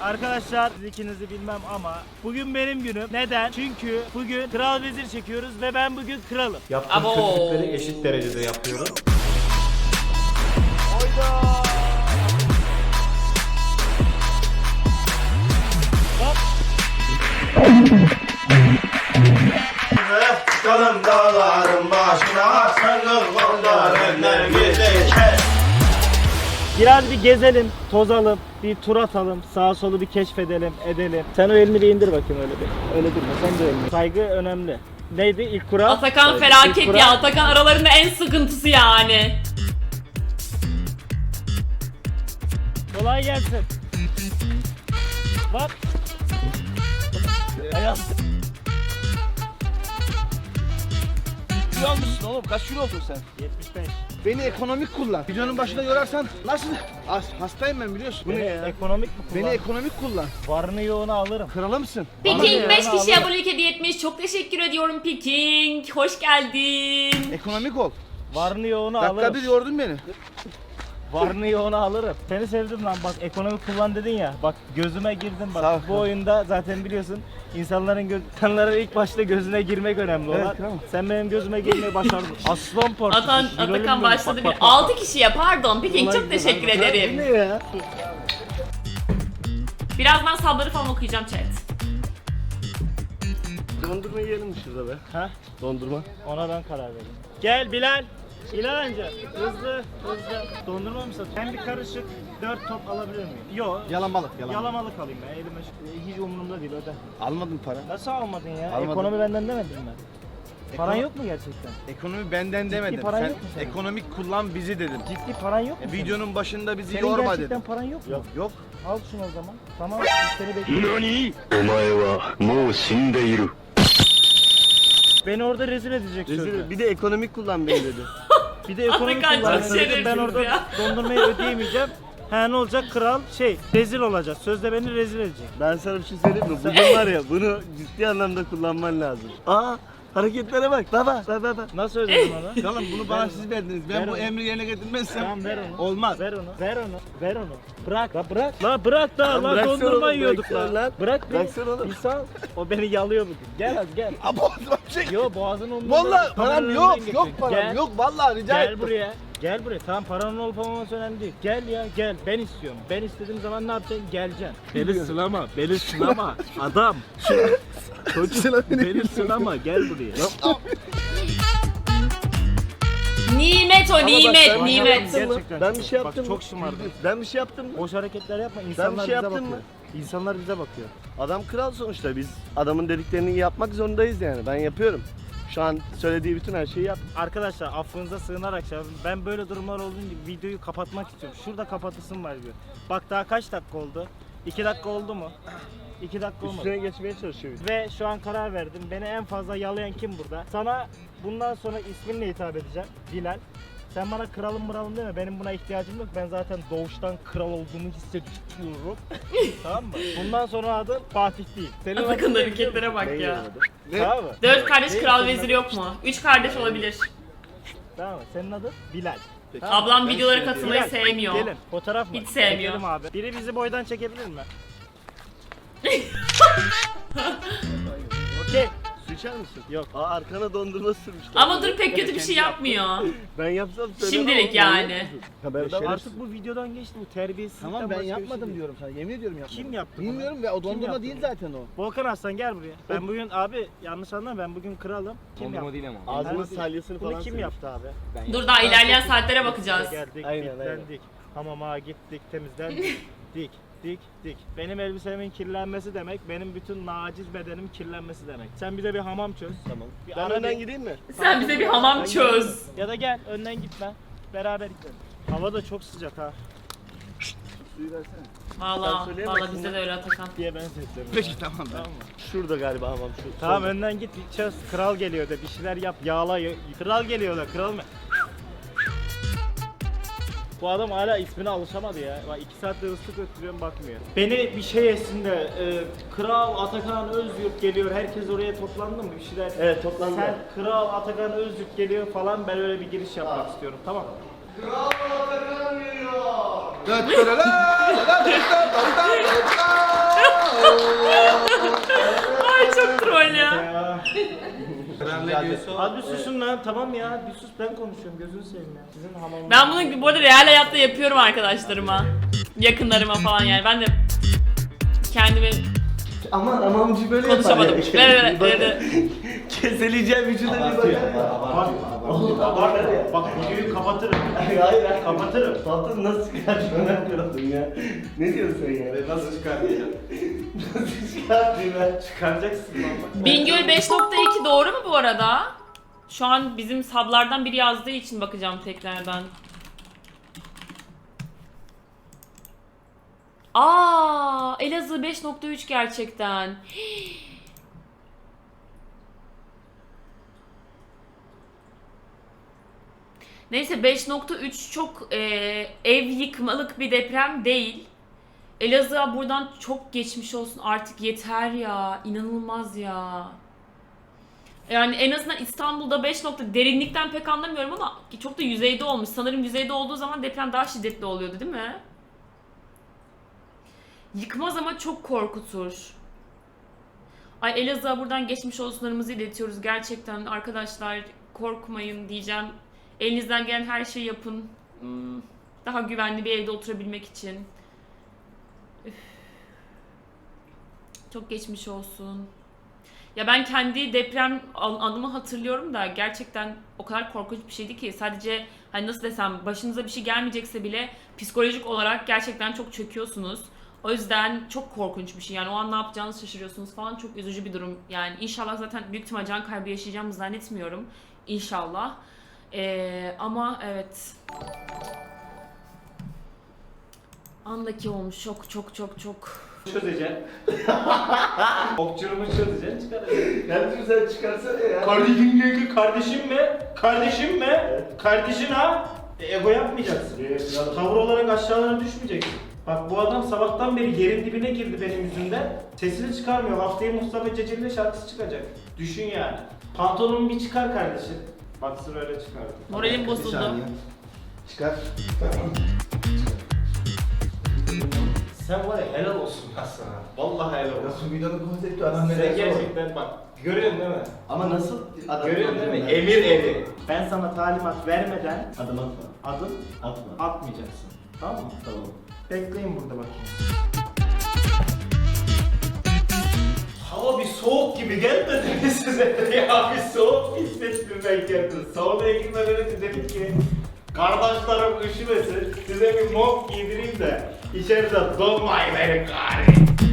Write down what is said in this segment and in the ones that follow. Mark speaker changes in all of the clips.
Speaker 1: Arkadaşlar siz ikinizi bilmem ama bugün benim günüm. Neden? Çünkü bugün kral vezir çekiyoruz ve ben bugün kralım.
Speaker 2: Yaptığım kötülükleri eşit derecede yapıyorum.
Speaker 1: Hayda! Hop!
Speaker 3: Çıkalım dağların başına, sarıl kollarından gidecek.
Speaker 1: Biraz bir gezelim, tozalım, bir tur atalım, sağa solu bir keşfedelim, edelim. Sen o elini bir indir bakayım öyle bir. Öyle durma, sen de elini. Saygı önemli. Neydi ilk kural?
Speaker 4: Atakan
Speaker 1: İlk
Speaker 4: felaket
Speaker 1: kural.
Speaker 4: ya. Atakan aralarında en sıkıntısı yani.
Speaker 1: Kolay gelsin. Bak. Ayağım.
Speaker 5: Kilo almışsın oğlum. Kaç kilo oldun sen?
Speaker 1: 75.
Speaker 5: Beni ekonomik kullan. Videonun başında yorarsan nasıl? Hastayım ben biliyorsun. Bu ne ya?
Speaker 1: Ekonomik mi kullan?
Speaker 5: Beni ekonomik kullan.
Speaker 1: Varını yoğunu alırım.
Speaker 5: Kralı mısın?
Speaker 4: Peking 5
Speaker 1: Alırım.
Speaker 4: kişi abonelik hediye etmiş. Çok teşekkür ediyorum Peking. Hoş geldin.
Speaker 5: Ekonomik ol.
Speaker 1: Varını yoğunu
Speaker 5: Dakika
Speaker 1: alırım.
Speaker 5: bir yordun beni.
Speaker 1: Varını yoğunu alırım. Seni sevdim lan bak ekonomik kullan dedin ya. Bak gözüme girdin bak.
Speaker 5: Sağ ol.
Speaker 1: Bu oyunda zaten biliyorsun insanların ilk başta gözüne girmek önemli olan.
Speaker 5: Evet, tamam.
Speaker 1: Sen benim gözüme girmeyi başardın. Aslan parçası.
Speaker 4: Atakan başladı bile. 6 kişiye pardon Peking çok teşekkür
Speaker 1: Bu
Speaker 4: ederim.
Speaker 1: ne ya?
Speaker 4: Birazdan sabları falan okuyacağım chat.
Speaker 3: Dondurma yiyelim şurada be.
Speaker 1: Ha?
Speaker 3: Dondurma.
Speaker 1: Ona ben karar verdim. Gel Bilal. Bilal amca. Hızlı. Dondurma mı satıyorsun? Ben bir karışık 4 top alabilir miyim? Yok.
Speaker 5: Yalamalık.
Speaker 1: Yalamalık alayım ben. Elime hiç umurumda değil öde.
Speaker 5: Almadın para.
Speaker 1: Nasıl almadın ya?
Speaker 5: Almadım.
Speaker 1: Ekonomi benden demedin mi? Paran yok mu gerçekten?
Speaker 5: Ekonomi benden demedim.
Speaker 1: paran
Speaker 5: Sen
Speaker 1: yok mu senin?
Speaker 5: ekonomik kullan bizi dedim.
Speaker 1: Ciddi paran yok mu? senin?
Speaker 5: Videonun başında bizi
Speaker 1: Senin
Speaker 5: yorma
Speaker 1: gerçekten
Speaker 5: dedim.
Speaker 1: paran yok mu?
Speaker 5: Yok.
Speaker 1: Al şunu o zaman. Tamam biz seni bekliyoruz.
Speaker 6: お前はもう死んでいる。
Speaker 1: Beni orada rezil edecek sözde.
Speaker 3: Bir de ekonomik kullan beni dedi.
Speaker 1: Bir de ekonomik
Speaker 4: Atakan çok
Speaker 1: kullanacağım. Ben
Speaker 4: şerefsiz
Speaker 1: orada
Speaker 4: ya.
Speaker 1: dondurmayı ödeyemeyeceğim. Ha ne olacak kral rezil olacak. Sözde beni rezil edecek.
Speaker 3: Ben sana bir şey söyleyeyim mi? Bugün var ya bunu ciddi anlamda kullanman lazım. Aa hareketlere bak baba. Bak.
Speaker 1: Nasıl ödedim onu?
Speaker 5: Oğlum bunu bana siz verdiniz. Ben
Speaker 1: Ver
Speaker 5: bu
Speaker 1: onu.
Speaker 5: emri yerine getirmezsem
Speaker 1: Tamam ver onu.
Speaker 5: olmaz.
Speaker 1: Ver onu. Bırak. La bırak. La bırak da. La
Speaker 3: bıraksana
Speaker 1: dondurma
Speaker 3: oğlum,
Speaker 1: yiyorduk
Speaker 3: bıraksana
Speaker 1: la.
Speaker 3: lan.
Speaker 1: Bırak bir.
Speaker 3: Bıraksana oğlum.
Speaker 1: İnsan. O beni yalıyor bugün. Gel az gel.
Speaker 5: Abi boğazıma çek.
Speaker 1: Yo boğazın umurunda.
Speaker 5: Vallahi param
Speaker 1: Kameranın
Speaker 5: yok.
Speaker 1: önünden
Speaker 5: Yok
Speaker 1: geçiyor.
Speaker 5: param
Speaker 1: Gel.
Speaker 5: yok. Vallahi rica
Speaker 1: Gel
Speaker 5: ettim.
Speaker 1: buraya. Gel buraya. Tamam paranın olup olmaması önemli değil. Gel ya gel. Ben istiyorum. Ben istediğim zaman ne yapacaksın? Geleceksin. Beni sılama. Beni sılama. Adam. Beni sılama. Gel buraya.
Speaker 4: Nimet o nimet
Speaker 3: ben
Speaker 4: nimet.
Speaker 1: Gerçekten
Speaker 3: Ben bir şey
Speaker 1: Bak,
Speaker 3: yaptım mı?
Speaker 1: çok şımardın.
Speaker 3: Ben bir şey yaptım mı?
Speaker 1: Boş hareketler yapma. İnsanlar
Speaker 3: şey
Speaker 1: bize
Speaker 3: yaptım
Speaker 1: bakıyor. İnsanlar bize bakıyor.
Speaker 3: Adam kral sonuçta biz adamın dediklerini yapmak zorundayız yani. Ben yapıyorum. Şu an söylediği bütün her şeyi yap.
Speaker 1: Arkadaşlar affınıza sığınarak şey yapayım. Ben böyle durumlar olduğunda videoyu kapatmak istiyorum. Şurada kapatısım var diyor. Bak daha kaç dakika oldu? 2 dakika oldu mu? 2 dakika olmadı.
Speaker 3: Üstüne geçmeye çalışıyor.
Speaker 1: Ve şu an karar verdim. Beni en fazla yalayan kim burada? Sana bundan sonra isminle hitap edeceğim. Bilal. Sen bana kralım mıralım deme. Benim buna ihtiyacım yok. Ben zaten doğuştan kral olduğumu hissediyorum. Tamam mı? Bundan sonra adın Fatih değil. Senin adın
Speaker 4: Atakan'ın
Speaker 1: ne biliyor
Speaker 4: hareketlere bak
Speaker 3: Ben
Speaker 4: ya.
Speaker 3: yemedim.
Speaker 1: Tamam mı?
Speaker 4: 4 kardeş
Speaker 1: Değil,
Speaker 4: kral
Speaker 1: senin
Speaker 4: veziri yok mu? 3 kardeş olabilir.
Speaker 1: Tamam mı? Senin adın Bilal. Tamam mı?
Speaker 4: Ablam videolara katılmayı
Speaker 1: Bilal,
Speaker 4: sevmiyor.
Speaker 1: Gelin fotoğraf mı?
Speaker 4: Hiç sevmiyor.
Speaker 1: Çekelim abi. Biri bizi boydan çekebilir mi? Okey.
Speaker 3: Su içer misin?
Speaker 1: Yok.
Speaker 3: Aa arkana dondurma sürmüşler.
Speaker 4: Ama dur pek kötü bir şey yapmıyor.
Speaker 3: Ben yapsam söylemem
Speaker 4: Şimdilik
Speaker 3: ama
Speaker 4: yani.
Speaker 3: manyak mısın? Haberdar mısın?
Speaker 1: Artık bu videodan geçti bu terbiyesizlikten
Speaker 5: Tamam ben
Speaker 1: başka bir şey
Speaker 5: yapmadım
Speaker 1: değil.
Speaker 5: diyorum sana. Yemin ediyorum yapmadım.
Speaker 1: Kim yaptı bunu?
Speaker 5: Bilmiyorum ve o
Speaker 1: Kim
Speaker 5: dondurma
Speaker 1: yaptı
Speaker 5: değil
Speaker 1: bunu?
Speaker 5: zaten o.
Speaker 1: Volkan Aslan gel buraya. Ben bugün abi yanlış anlama ben bugün kralım. Kim yaptı?
Speaker 2: değil ama.
Speaker 3: Ağzının
Speaker 1: Abi,
Speaker 3: salyasını
Speaker 1: Bunu
Speaker 3: falan
Speaker 1: kim
Speaker 3: sürmüş.
Speaker 1: yaptı abi?
Speaker 4: Dur daha ilerleyen saatlere bakacağız.
Speaker 1: Geldik,
Speaker 3: Aynen,
Speaker 1: bitlendik. Hamama gittik, temizlendik. dik. Benim elbisemin kirlenmesi demek, benim bütün naciz bedenim kirlenmesi demek. Sen bize bir hamam çöz.
Speaker 3: Tamam.
Speaker 1: Bir
Speaker 3: Ben
Speaker 1: ara
Speaker 3: önden
Speaker 1: bir-
Speaker 3: gideyim mi?
Speaker 4: Sen bize bir hamam çöz.
Speaker 1: Ya da gel önden gitme. Beraber gidelim. Hava da çok sıcak ha.
Speaker 3: Suyu versene.
Speaker 4: Valla
Speaker 3: söyleyemezsin
Speaker 4: bizde
Speaker 3: ya.
Speaker 4: de öyle Atakan.
Speaker 1: Diye ben sesleniyorum.
Speaker 5: Peki tamam ben.
Speaker 1: Tamam mı?
Speaker 3: Şurada galiba hamam şu.
Speaker 1: Tamam
Speaker 3: solda.
Speaker 1: önden git bir çöz. Kral geliyor da bir şeyler yap. Yağla. Kral geliyor da kral mı? Bu adam hala ismine alışamadı ya. Bak 2 saattir ıslık öttürüyorum bakmıyor. Beni bir şey etsin de Kral Atakan Özyurt geliyor. Herkes oraya toplandı mı? Bir şeyler.
Speaker 3: Evet, toplandı.
Speaker 1: Sen Kral Atakan Özyurt geliyor falan ben öyle bir giriş yapmak istiyorum. Tamam mı?
Speaker 5: Dört
Speaker 1: Ya.
Speaker 2: Kral'le
Speaker 1: Hadi susun lan, tamam ya. Bir sus, ben konuşuyorum, gözünü seveyim ya. Sizin hamamınız.
Speaker 4: Ben bunu bu arada real hayatta yapıyorum arkadaşlarıma. Yakınlarıma falan yani. Ben de kendimi
Speaker 3: Aman amamcı böyle yapar
Speaker 4: konuşamadım.
Speaker 3: ya.
Speaker 4: Evet.
Speaker 3: Keseleyeceğim vücuda bir bakar ya.
Speaker 1: Bak videoyu kapatırım.
Speaker 3: Hayır hayır.
Speaker 1: Kapatırım.
Speaker 3: Tatlım nasıl çıkartıyorsun ben kırıldım ya. Ne diyorsun sen ya?
Speaker 2: Nasıl çıkartacağım?
Speaker 3: Nasıl çıkartayım ben?
Speaker 1: Çıkaracaksın lan.
Speaker 4: Bingöl 5.2 doğru mu bu arada? Şu an bizim sablardan biri yazdığı için bakacağım tekrardan. Elazığ 5.3 gerçekten. Neyse 5.3 çok ev yıkmalık bir deprem değil. Elazığ'a buradan çok geçmiş olsun, artık yeter ya, inanılmaz ya. Yani en azından İstanbul'da 5 nokta derinlikten pek anlamıyorum ama çok da yüzeyde olmuş. Sanırım yüzeyde olduğu zaman deprem daha şiddetli oluyordu değil mi? Yıkmaz ama çok korkutur. Ay Elazığ'a buradan geçmiş olsunlarımızı iletiyoruz gerçekten arkadaşlar, korkmayın diyeceğim. Elinizden gelen her şeyi yapın. Daha güvenli bir evde oturabilmek için. Üf. Çok geçmiş olsun. Ya ben kendi deprem anımı hatırlıyorum da gerçekten o kadar korkunç bir şeydi ki, sadece hani nasıl desem, başınıza bir şey gelmeyecekse bile psikolojik olarak gerçekten çok çöküyorsunuz. O yüzden çok korkunç bir şey. Yani o an ne yapacağınızı şaşırıyorsunuz falan. Çok üzücü bir durum. Yani inşallah, zaten büyük ihtimal can kaybı yaşayacağımı zannetmiyorum. İnşallah. Ama evet. Andaki olmuş. Çok.
Speaker 1: Çözeceksin. Okçurumu çözeceksin, çıkaracaksın.
Speaker 3: Kardeşim sen çıkarsana ya.
Speaker 1: Kardeşim ne? Kardeşim mi? Kardeşim mi? Kardeşin ha? Ego yapmayacaksın. Tavır olarak aşağılara düşmeyeceksin. Bak bu adam sabahtan beri yerin dibine girdi benim yüzümden. Sesini çıkarmıyor. Haftaya Mustafa Ceceli'yle şarkısı çıkacak. Düşün yani. Pantolonumu bir çıkar kardeşim. Baksın öyle çıkardı.
Speaker 4: Moralim bozuldu.
Speaker 3: Çıkar.
Speaker 1: Sen var ya, helal olsun lan sana. Vallahi helal olsun.
Speaker 3: Nasıl videonun konsepti adam
Speaker 1: Sen
Speaker 3: nereye
Speaker 1: gerçekten bak. Görüyorsun değil mi?
Speaker 3: Ama nasıl adam
Speaker 1: Görüyorsun değil mi?
Speaker 3: yapıyor?
Speaker 1: Emir eri. Ben sana talimat vermeden
Speaker 3: Adım atma.
Speaker 1: adım
Speaker 3: Atma.
Speaker 1: atmayacaksın. Tamam mı?
Speaker 3: Tamam.
Speaker 1: Bekleyin burada bakayım. Hava bir soğuk gibi gelmedi mi size? Ya bir soğuk hissettim ben kendimi. Saunaya girmeden önce dedim ki kardeşlerim üşümesin, size bir mont giydireyim de içeride donmayın beni gari.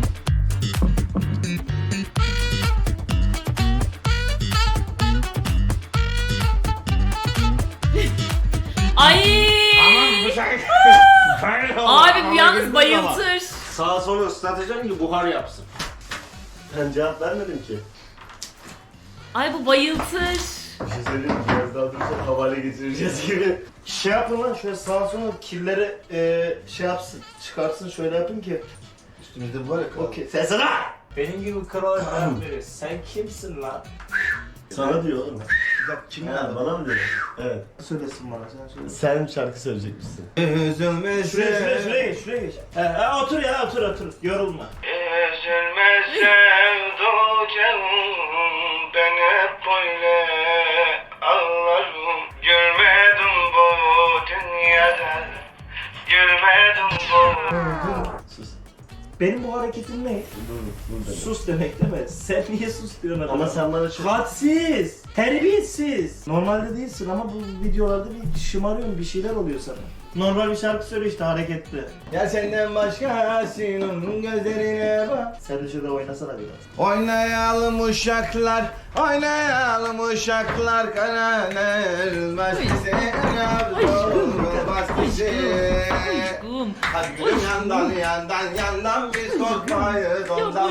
Speaker 4: Ay! Abi bu yalnız bayıltır.
Speaker 2: Sağa sola ıslatacaksın ki buhar yapsın.
Speaker 3: Ben cevap vermedim ki.
Speaker 4: Ay bu bayıltır.
Speaker 3: Bir şey söyleyeyim mi? Biraz daha durursak havale geçireceğiz gibi. Şey yapın lan, şöyle sağa sola kirleri şey yapsın, çıkarsın, şöyle yapın ki. Üstümüzde bu var ya kral. Okey. Sen sana!
Speaker 1: Benim gibi krala cevap verir. Sen kimsin lan?
Speaker 3: Sana diyor oğlum.
Speaker 5: Bir dakika kimin
Speaker 3: Ha,
Speaker 5: adı?
Speaker 3: bana mı diyor? Evet.
Speaker 1: Söylesin bana, sen söyle.
Speaker 3: Sen şarkı söyleyecekmişsin.
Speaker 1: Şuraya geç. Otur ya, otur. Yorulma.
Speaker 7: Üzülme sevduken ben hep böyle ağlarım. Gülmedim bu dünyada, gülmedim bu.
Speaker 3: Sus.
Speaker 1: Benim bu hareketim ne?
Speaker 3: Dur.
Speaker 1: Sus demek değil mi? Sen niye sus diyorsun adama?
Speaker 3: Ama sen bana şu...
Speaker 1: Hadsiz, terbiyesiz. Normalde değilsin ama bu videolarda bir şımarıyorsun, bir şeyler oluyor sana. Normal bir şarkı söyle işte, hareketli.
Speaker 5: Ya senden başkasının gözlerine bak.
Speaker 1: Sen de şurada oynasana biraz.
Speaker 5: Oynayalım uşaklar, kananer bastisi, bastisi.
Speaker 4: Aşkım.
Speaker 5: Hadi gülüm yandan biz korkmayız ondan.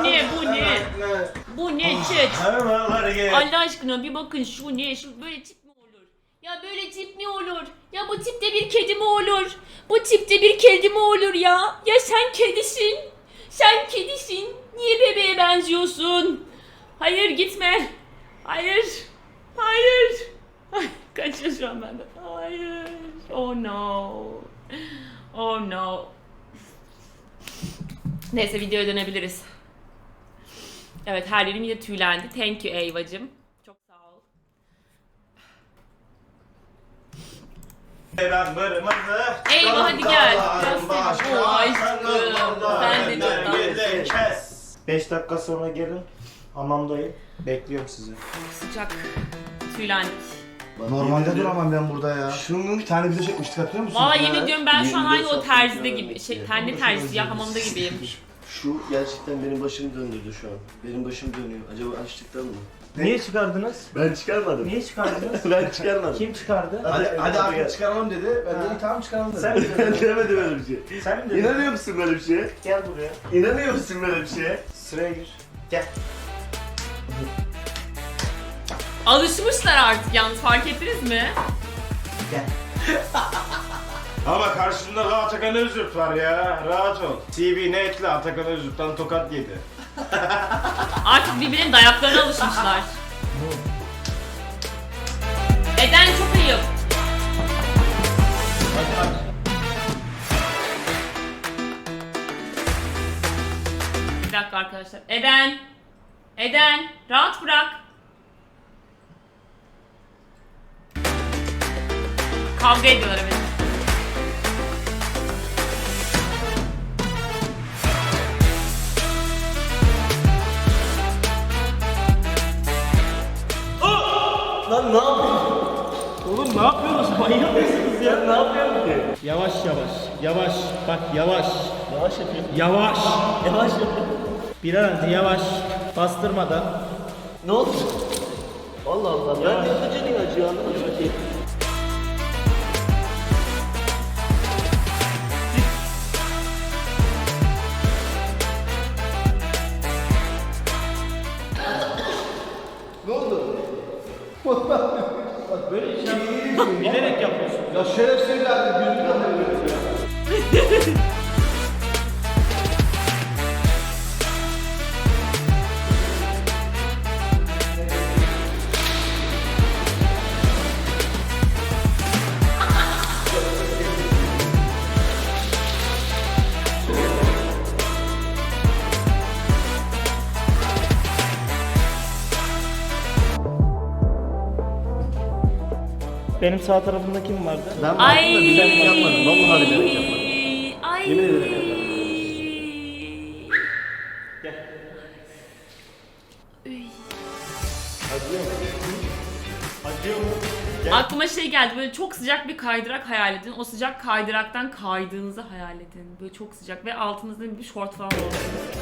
Speaker 4: Bu ne chat?
Speaker 1: Havalar gel.
Speaker 4: Allah aşkına bir bakın şu ne? Şu böyle tip mi olur? Ya böyle tip mi olur? Ya bu tipte bir kedi mi olur? Bu tipte bir kedi mi olur ya? Ya sen kedisin. Sen kedisin. Niye bebeğe benziyorsun? Hayır gitme. Hayır. Ay, kaçıyor şu an benden. Hayır. Oh no. Neyse videoya dönebiliriz. Evet, her yerim yine tüylendi. Thank you Eyvacım. Çok sağ ol.
Speaker 2: Ben bırmızı.
Speaker 4: Eyvah hadi gel. Göster. Oo aşkım. Sen de çok tatlısın.
Speaker 2: Kes.
Speaker 1: 5 dakika sonra gelin. Hamamdayım. Bekliyorum sizi.
Speaker 4: Sıcak. Tüylendik.
Speaker 5: Normalde duramam ben burada ya.
Speaker 3: Şunun
Speaker 5: Bir tane video çekmiştik hatırlıyor musun?
Speaker 4: Valla yemin ediyorum ben şu an
Speaker 3: 24
Speaker 4: aynı o
Speaker 3: saat
Speaker 4: terzide
Speaker 3: bekliyorum
Speaker 4: gibi.
Speaker 3: demek
Speaker 4: Şey,
Speaker 3: ki.
Speaker 4: tenli terzisi ya hamamda gibiyim.
Speaker 3: Şu gerçekten benim başımı döndürdü şu an. Benim başım dönüyor. Acaba açlıktan mı?
Speaker 1: Niye çıkardınız?
Speaker 3: Ben çıkarmadım.
Speaker 1: Niye çıkardınız?
Speaker 3: Ben çıkarmadım.
Speaker 1: Kim çıkardı?
Speaker 5: Hadi artık çıkaralım dedi. Ben de tamam çıkaralım dedim.
Speaker 1: Sen mi
Speaker 3: Ben
Speaker 1: dedin?
Speaker 3: demedim öyle bir şey.
Speaker 1: Sen mi dedin?
Speaker 3: İnanıyor musun böyle bir şeye?
Speaker 1: Gel buraya.
Speaker 3: İnanıyor musun böyle bir şeye?
Speaker 1: Sıraya gir. Gel.
Speaker 4: Alışmışlar artık yalnız fark ettiniz mi?
Speaker 2: Ama karşında da Atakan Özürt var ya. Rahat ol. TV ne ekle Atakan Özürt'ten tokat yedi.
Speaker 4: Artık birbirinin dayaklarına alışmışlar. Eden çok ayıp. Bir dakika arkadaşlar. Eden. Eden. Rahat bırak. Kavga ediyorlar evet.
Speaker 3: Lan ne yapıyorsun?
Speaker 1: Oğlum ne yapıyorsunuz? Manyak mısınız ya?
Speaker 3: Ne yapıyorsun ki?
Speaker 1: Yavaş yavaş. Yavaş. Bak yavaş.
Speaker 3: Yavaş yapıyorum.
Speaker 1: Yavaş.
Speaker 3: Yavaş yapıyorum.
Speaker 1: Biraz yavaş. Bastırmadan.
Speaker 3: Ne oldu? Allah Allah. Ben de yapıcının acıyor anlamadım ki.
Speaker 5: Ne oldu?
Speaker 1: Böyle şey bilerek yapıyorsun.
Speaker 5: Ya şerefsiz evladım gözümden de böyle ya.
Speaker 1: Benim sağ tarafımda kim vardı?
Speaker 3: Ben
Speaker 4: Ay.
Speaker 3: baktım da bilerek yapmadım. Vallahi bilerek yapmadım.
Speaker 4: Ay.
Speaker 3: Yemin ederim yapmadım.
Speaker 1: Gel. Acıyor mu? Gel.
Speaker 4: Aklıma şey geldi böyle çok sıcak bir kaydırak hayal edin. O sıcak kaydıraktan kaydığınızı hayal edin. Böyle çok sıcak ve altınızda bir şort falan olsun.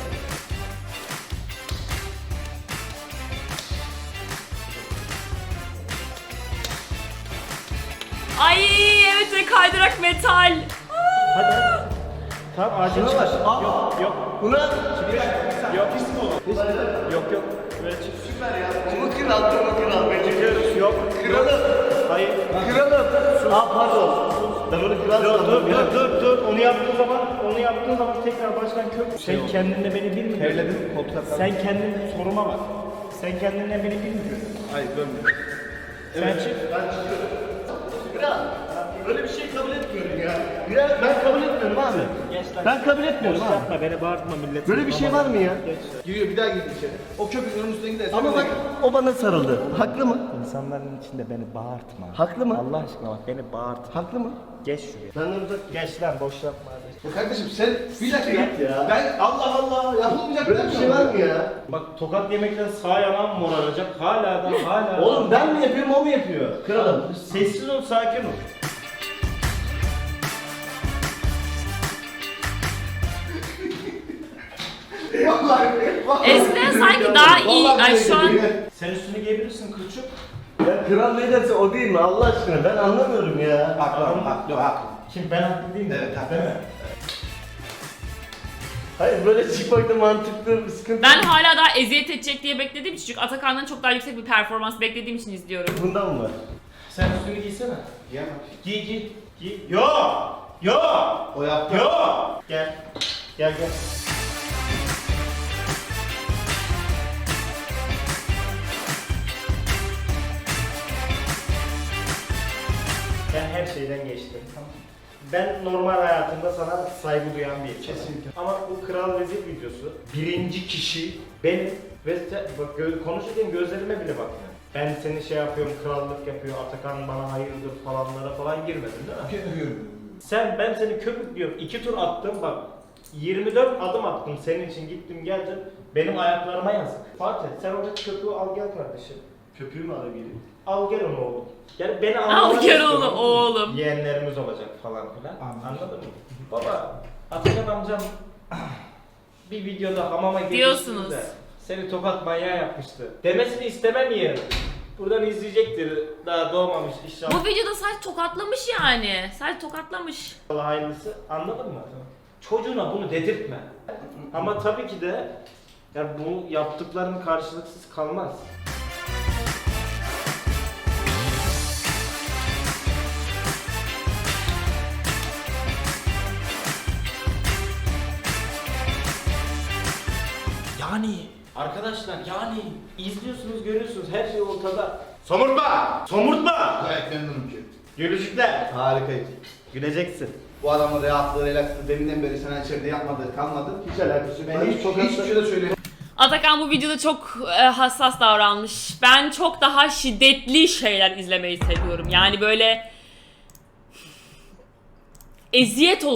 Speaker 4: Ay evet ve kaydırak metal.
Speaker 1: Hadi. Tamam acil
Speaker 3: Şuna
Speaker 1: çıkar.
Speaker 3: bak. Aa.
Speaker 1: Yok yok.
Speaker 3: Buna
Speaker 1: Yok. Yok yok. Böyle çık.
Speaker 3: Bunu kral, bunu kral. Ben çıkıyorum.
Speaker 1: Yok.
Speaker 3: Kralım.
Speaker 1: Hayır.
Speaker 3: Kralım. Aa pardon. Ben onu kral sandım.
Speaker 1: Dur. Onu yaptığın zaman tekrar baştan kök. Sen kendinle beni bilmiyorsun.
Speaker 5: Terledim koltuğa kaldım.
Speaker 1: Sen kendin soruma bak. Sen kendinle beni bilmiyorsun.
Speaker 5: Hayır dönmüyor.
Speaker 1: Sen çık.
Speaker 3: Ben çıkıyorum. Kral. Böyle bir şey kabul etmiyorum ya. Ya ben kabul etmiyorum abi.
Speaker 1: Geç lan.
Speaker 3: Ben kabul etmiyorum
Speaker 1: Boş
Speaker 3: abi.
Speaker 1: yapma beni bağırtma millet.
Speaker 3: Böyle bir şey var mı ya?
Speaker 5: Giriyor bir daha girdi içeri. O köpüklerin üstüne giderse.
Speaker 3: Ama bak o bana sarıldı. Haklı mı?
Speaker 1: İnsanların içinde beni bağırtma.
Speaker 3: Haklı mı?
Speaker 1: Allah aşkına bak beni bağırtma.
Speaker 3: Haklı mı?
Speaker 1: Geç şuraya.
Speaker 3: Benden uzak gel.
Speaker 1: Geç lan boş yapma hadi.
Speaker 5: Ya kardeşim sen bir dakika
Speaker 3: Git ya.
Speaker 5: Ben Allah Allah yapılmayacak
Speaker 3: Böyle bir şey var mı ya?
Speaker 1: Bak tokat yemekten sağ yanağım moraracak. Hala.
Speaker 3: Oğlum ben mi yapıyorum o mu yapıyor? Kralım.
Speaker 1: Sessiz ol, sakin ol.
Speaker 4: Eskiden sanki daha iyi. Ay şu an
Speaker 1: Sen üstünü giyebilirsin kılçık.
Speaker 3: Ya kral ne derse o değil mi Allah aşkına? Ben anlamıyorum ya.
Speaker 5: Haklı.
Speaker 1: Kim ben haklı değil mi?
Speaker 5: Evet, haklı.
Speaker 1: Değil mi?
Speaker 3: Hayır böyle çıkmakta mantıklı bir sıkıntı.
Speaker 4: ben hala daha eziyet edecek diye beklediğim için çünkü Atakan'dan çok daha yüksek bir performans beklediğim için izliyorum.
Speaker 3: Bundan mı var?
Speaker 1: Sen üstünü giysene.
Speaker 5: Giyemem.
Speaker 1: Giy. Yo.
Speaker 5: O yaptı.
Speaker 1: Yo. Gel. Gel. Ben her şeyden geçtim. Tamam. Ben normal hayatımda sana saygı duyan bir insanım. Kesinlikle. Ama bu Kral Vezir videosu birinci kişi benim ve bak konuşurken gözlerime bile bakmıyor. Ben seni şey yapıyorum, krallık yapıyor, Atakan bana hayırdır falanlara falan girmedin değil mi? Ben seni köpüklüyorum. 2 tur attım bak. 24 adım attım senin için, gittim geldim. Benim ayaklarıma yazık. Fatih sen orada köpüğü al gel kardeşim.
Speaker 3: Köpüğü mü alabilirim?
Speaker 1: Al gel onu oğlum. Yani beni
Speaker 4: Al
Speaker 1: anlamak
Speaker 4: gel
Speaker 1: istiyorum.
Speaker 4: onu oğlum.
Speaker 1: Yeğenlerimiz olacak falan filan. Anladın mı? Baba, Atakan amcam bir videoda hamama
Speaker 4: Diyorsunuz.
Speaker 1: girmişsiniz de seni tokat manyağı yapmıştı. Demesini istemem yerim. Buradan izleyecektir. Daha doğmamış inşallah.
Speaker 4: Bu videoda saç tokatlamış yani. Saç tokatlamış.
Speaker 1: Allah hayırlısı. Anladın mı? Çocuğuna bunu dedirtme. Ama tabii ki de yani bu yaptıkların karşılıksız kalmaz. Yani arkadaşlar yani izliyorsunuz görüyorsunuz her şey ortada. Somurtma! Somurtma!
Speaker 3: Gayet memnunum ki.
Speaker 1: Gülücükler.
Speaker 3: Harikaydı.
Speaker 1: Güleceksin.
Speaker 3: Bu adamın rahatlığı, relakslığı deminden beri sana içeride yapmadığı kalmadı. Hiç alakası yok. Ben hiçbir şey de söyleyeyim.
Speaker 4: Atakan bu videoda çok hassas davranmış. Ben çok daha şiddetli şeyler izlemeyi seviyorum. Yani böyle eziyet